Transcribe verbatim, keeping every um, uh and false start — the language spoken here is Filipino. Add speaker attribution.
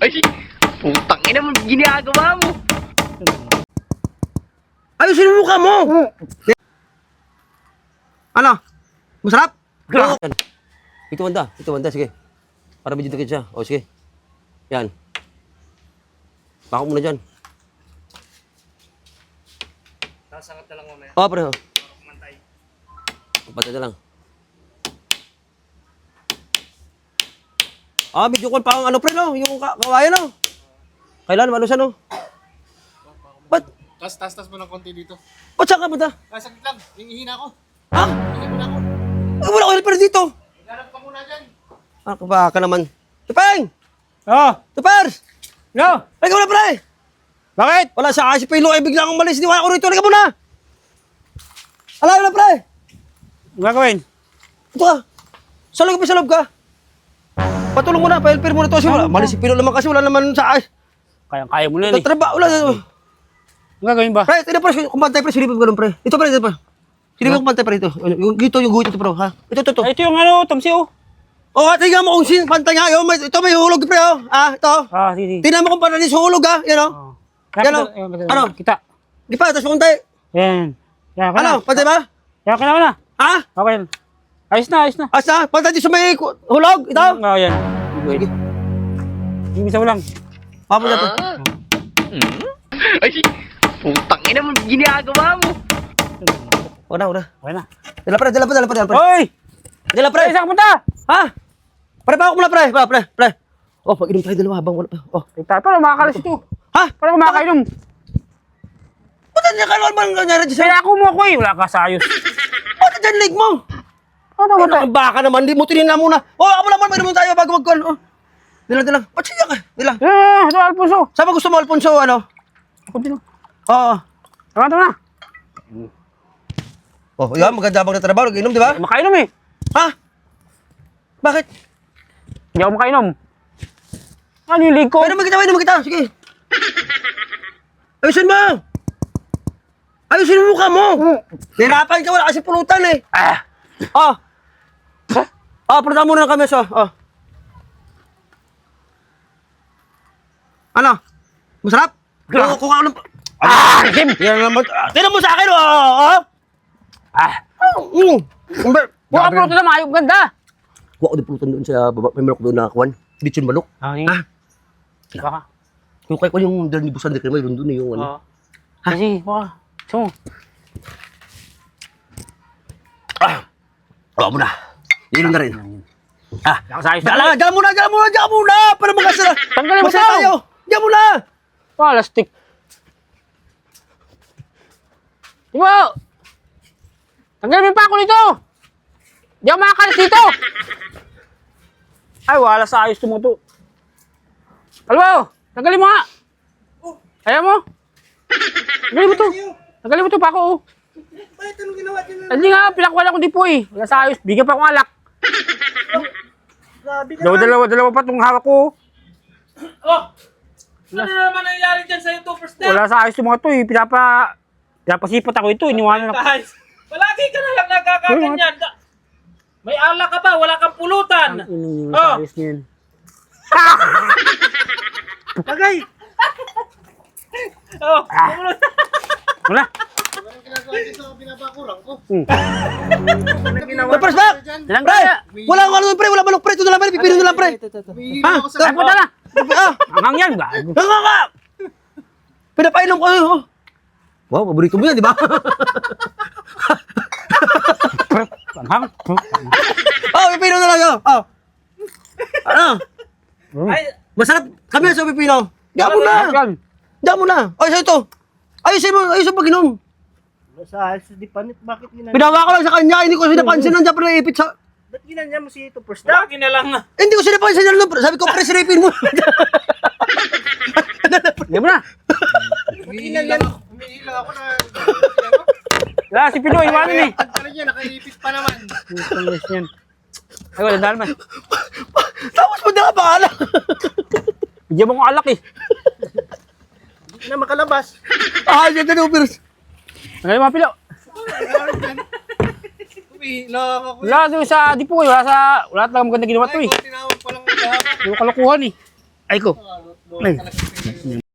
Speaker 1: Ay, putang ina mo, ginagawa mo.
Speaker 2: Ayusin mo mukha mo! Ano? Masarap?
Speaker 3: Yan. Ito banda, ito banda, sige. Para medyo dikit siya. O, sige. Yan. Bako muna dyan.
Speaker 4: Sasangat na lang mamaya.
Speaker 3: O, pareho.
Speaker 4: Kumantay.
Speaker 3: Pantay na lang. Ah, medyo kon pa ang ano pre, no? Yung ka kawayan, no? Kailan, malusan, no? Ba't?
Speaker 4: Tas, tas, tas mo ng konti dito.
Speaker 3: Ba't saan ka punta?
Speaker 4: Ah, saglit lang. Hingihina ako.
Speaker 3: Ha?
Speaker 4: Hingihina ako.
Speaker 3: Eh, wala ko helper dito.
Speaker 4: Ganap ka muna dyan.
Speaker 3: Ah, ba ka naman? Tupeng!
Speaker 2: Oo.
Speaker 3: Tupers!
Speaker 2: No.
Speaker 3: Ay, ka muna, pre!
Speaker 2: Bakit?
Speaker 3: Wala sa kasi Pilo, ay bigla akong malis. Di wala ko rito. Halika muna! Alam na, pre!
Speaker 2: Ang gagawin?
Speaker 3: Ito ka. Sa loob ka, sa loob ka. Patulong mo na, pa-helper mo na to. Kasi wala, malis si Pilo naman kasi wala naman sa ayos.
Speaker 2: Kayang-kaya mo na yan eh.
Speaker 3: Tatraba, wala.
Speaker 2: Ang gagawin ba?
Speaker 3: Pre, ito pre, kumpantay pre, silipin ko lang pre. Ito pre, ito pre. Silipin ko kumpantay pre ito. Yung dito, yung guhit ito pre, ha? Ito, ito, ito.
Speaker 2: Ay, ito yung ano, Tomsi oh.
Speaker 3: Oh, tingnan mo kung sin, pantay nga. Yo, may, ito may hulog pre, oh. Ah, ito.
Speaker 2: Ah, sige.
Speaker 3: Tingnan mo kung paano din sa hulog, ha? Yan, oh.
Speaker 2: Oh.
Speaker 3: Yan, oh. Ano?
Speaker 2: Kita.
Speaker 3: Di pa, tapos kumpantay.
Speaker 2: Yan. Yan, ka na.
Speaker 3: Ano, pantay ba?
Speaker 2: Yan, ka na, ka na.
Speaker 3: Ha?
Speaker 2: Okay. Ayos na, ayos na.
Speaker 3: Asa, pantay din sa may ku- hulog, ito.
Speaker 2: Oo, yan.
Speaker 3: Sige.
Speaker 2: Yung isa mo lang.
Speaker 3: Papunta to.
Speaker 1: Ay, putang ina mo, ginagawa mo.
Speaker 3: Wala, wala.
Speaker 2: Okay na.
Speaker 3: Dala pre, dala pre, dala pre, dala pre.
Speaker 2: Hoy!
Speaker 3: Dala pre.
Speaker 2: Pre, saan ka punta?
Speaker 3: Ha? Pre, pa ako muna pre, pre, pre, pre. Oh, pag-inom tayo dalawa habang wala pa. Oh.
Speaker 2: Kita, paano makakalas ito?
Speaker 3: Ha?
Speaker 2: Paano makakainom?
Speaker 3: Ba't niya ka naman nangyari dyan sa'yo?
Speaker 2: Kaya ako mo ako eh. Wala ka sa ayos.
Speaker 3: Ba't dyan leg mo?
Speaker 2: Ano ba
Speaker 3: Ano
Speaker 2: tayo?
Speaker 3: ang baka naman, di mo tinina muna. Oh, ako naman, may naman tayo bago magkuhan. Oh. Dila, dila. Ba't siya ka? Dila.
Speaker 2: Eh, ito Alfonso.
Speaker 3: Saan ba gusto mo, Alfonso, ano?
Speaker 2: Ako din.
Speaker 3: Oo.
Speaker 2: Tama, tama na.
Speaker 3: Oh, yan, maganda bang natrabaho, nag-inom, di ba?
Speaker 2: Makainom eh.
Speaker 3: Ha? Bakit?
Speaker 2: Hindi ako makainom. Ano yung leg ko?
Speaker 3: Pwede magkita, pwede magkita. Sige. Ayusin mo! Ayusin mo mukha mo! Nahirapan ka, wala kasi pulutan eh.
Speaker 2: Ah!
Speaker 3: Oh. Oh, pulutan muna ng kami, so. Oh. Ano? Masarap?
Speaker 2: Gra-
Speaker 3: Kuha kuha ko ng...
Speaker 2: Ah! Kim!
Speaker 3: Yan naman. Ah, tingnan mo sa akin, oh! Oh!
Speaker 2: Ah!
Speaker 3: Mm. Umber.
Speaker 2: Buka po ito na maayong ganda.
Speaker 3: Kuha ko din pulutan doon sa baba. May manok doon na kuwan. Bitchin manok.
Speaker 2: Ah,
Speaker 3: Ah.
Speaker 2: Baka.
Speaker 3: Yung kaya ko yung dal ni Busan de Crema, yun doon yung ano.
Speaker 2: Oo. Kasi, baka. Gusto mo?
Speaker 3: Ah! Oo mo na. Inom na rin. Ah!
Speaker 2: Ako sa ayos na.
Speaker 3: Dala, dala muna, dala muna, dala muna! Para magkasara.
Speaker 2: Tanggalin mo
Speaker 3: Masaya
Speaker 2: daw.
Speaker 3: tayo. Dala muna!
Speaker 2: Ah, lastik. Di ba? Tanggalin mo pa ako dito. Di ako makakalis dito. Ay, wala sa ayos mo to. Albo, tanggalin mo nga. Ayaw mo? Tanggalin mo to. Tanggalin mo to pa ako. Oh.
Speaker 4: Bakit anong ginawa dyan?
Speaker 2: Hindi nga, pinakawala ko di po eh. Wala sa ayos. Bigyan pa akong alak.
Speaker 4: Grabe ka
Speaker 2: Dalawa, dalawa, dalawa pa itong hawak ko.
Speaker 4: Oh! Ano na naman nangyari dyan sa'yo to first step?
Speaker 2: Wala sa ayos yung mga to eh. Pinapa... Pinapasipat ako ito. Iniwanan ako.
Speaker 4: Guys, palagi ka na lang nagkakaganyan. May alak ka ba? Wala kang pulutan.
Speaker 2: Yung
Speaker 4: Oh.
Speaker 2: sa ayos niyan.
Speaker 4: Bagay! Oh,
Speaker 2: Wala.
Speaker 4: anong ginagawa dito sa binabakurang ko?
Speaker 2: Hmm.
Speaker 4: Anong ginawa
Speaker 3: May first back!
Speaker 2: Ilang
Speaker 3: Pre!
Speaker 2: kaya?
Speaker 3: Wala akong ano pre, wala manok pre. Ito na lang pre, pipino na lang pre.
Speaker 4: Humihila
Speaker 3: Ha?
Speaker 4: ako sa...
Speaker 2: Ay, punta na.
Speaker 3: Ah!
Speaker 2: Angang yan. Gago.
Speaker 3: Nga nga nga! Pinapainom ko. Oh. Wow, paborito mo yan, di ba?
Speaker 2: Anghang.
Speaker 3: Oh, pipino na lang yun. Oh. Ano?
Speaker 4: Ay,
Speaker 3: Masarap kami sa pipino. Diyan mo na.
Speaker 2: Yan.
Speaker 3: Diyan mo na. Ay, sa ito. Ayusin mo, ayusin mo pag-inom.
Speaker 4: sa di panit, bakit ginanya?
Speaker 3: Pinawa ko lang sa kanya, hindi ko sinapansin nandiyan pre, ipit sa...
Speaker 4: Ba't ginanya mo si ito first step? Lagi na lang nga.
Speaker 3: Hindi ko sinapansin yan, pre. Sabi ko, pre, siripin mo.
Speaker 2: Hindi mo na.
Speaker 4: Humihila ako. Humihila ako na...
Speaker 2: Wala, si Pinoy. Iwanan eh.
Speaker 4: Pala niya, nakaipit pa naman.
Speaker 2: Putang ina yan. Ay, wala dahil man.
Speaker 3: Tapos mo na bahala.
Speaker 2: Bigyan mo kong alak eh.
Speaker 4: Hindi na makalabas.
Speaker 3: Ah, yan na Ubers.
Speaker 2: Ang mga pilo.
Speaker 4: Humihila ako.
Speaker 2: Wala doon sa dipo eh. Wala sa... Wala talagang maganda ginawa to eh.
Speaker 4: Tinawag pa lang ang kahapon.
Speaker 2: Puro kalokohan eh. Ay ko. Ay.